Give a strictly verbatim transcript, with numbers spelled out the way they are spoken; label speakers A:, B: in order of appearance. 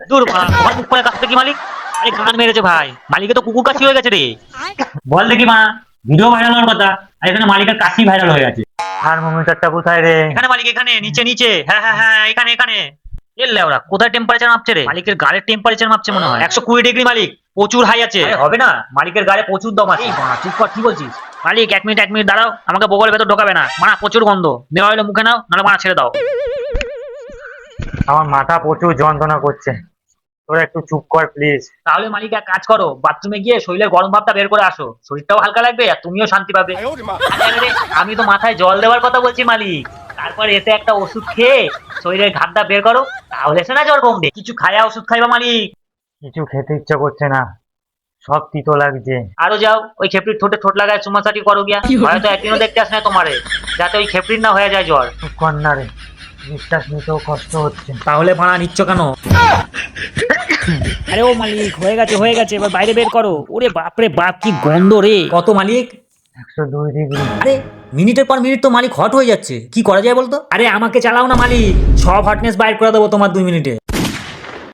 A: দূর বাড়া, তোমার মুখ করে কাছতে কি মালিক? আরে গান মেরেছে ভাই, মালিকে তো কুকুর কাশি হয়ে গেছে রে।
B: বল দেখি মা, ভিডিও ভাইরাল হওয়ার কথা আর এখানে মালিকের কাশি ভাইরাল হয়ে গেছে। থার্মোমিটারটা কোথায় রে?
A: এখানে মালিক, এখানে নিচে নিচে, হ্যাঁ হ্যাঁ হ্যাঁ এখানে এখানে। এলে ওরা কোথায় টেম্পারেচার মাপছে রে? মালিকের গাড়ির টেম্পারেচার মাপছে মনে হয় একশো কুড়ি ডিগ্রি মালিক, প্রচুর হাই আছে।
B: আরে হবে না, মালিকের গাড়ি প্রচুর দম আছে।
A: এই বাড়া, চুপ কর, কি বলছিস? মালিক এক মিনিট এক মিনিট দাঁড়াও, আমাকে বগলের ভেতর ঢোকাবে না, মানা প্রচুর গন্ধ। নেওয়া হলে মুখে নাও, নাহলে মানা ছেড়ে দাও।
B: আমার মাথা প্রচুর যন্ত্রণা করছে, তোরা একটু চুপ কর প্লিজ।
A: তাহলে মালিক এক কাজ করো, বাথরুমে গিয়ে শরীরের গরম ভাবটা বের করে আসো, শরীরটাও হালকা লাগবে আর তুমিও শান্তি পাবে। আরে আরে, আমি তো মাথায় জল দেওয়ার কথা বলছি মালিক। তারপর এতে একটা ওষুধ খেয়ে শরীরের ঘাটটা বের করো, তাহলে সে না জ্বর কমবে। কিছু খায়া ওষুধ খাইবা মালিক।
B: কিছু খেতে ইচ্ছা করছে না, সব তিতো লাগছে।
A: আরো যাও, ওই খেপড়ির ঠোঁটে ঠোঁট লাগায় চুমাচাটি করো গিয়া, হয়তো একদিনও দেখতে আসে না তোমারে, যাতে ওই খেপড়ির না হয়ে যায় জ্বর।
B: চুপ কর না রে, নিঃশ্বাস নিতেও কষ্ট হচ্ছে।
A: তাহলে ভাড়া নিচ্ছ কেন? আরে ও মালিক, হয়ে গেছে হয়ে গেছে, এবার বাইরে বের করো। ওরে বাপরে বাপ, কি গন্ধ রে।
C: কত মালিক?
B: একশো দুই ডিগ্রি।
C: আরে মিনিটের পর মিনিট তো মালিক হট হয়ে যাচ্ছে, কি করা যায় বলতো?
A: আরে আমাকে চালাও না মালিক,
C: সব হটনেস বাইর করে দেবো তোমার দুই মিনিটে।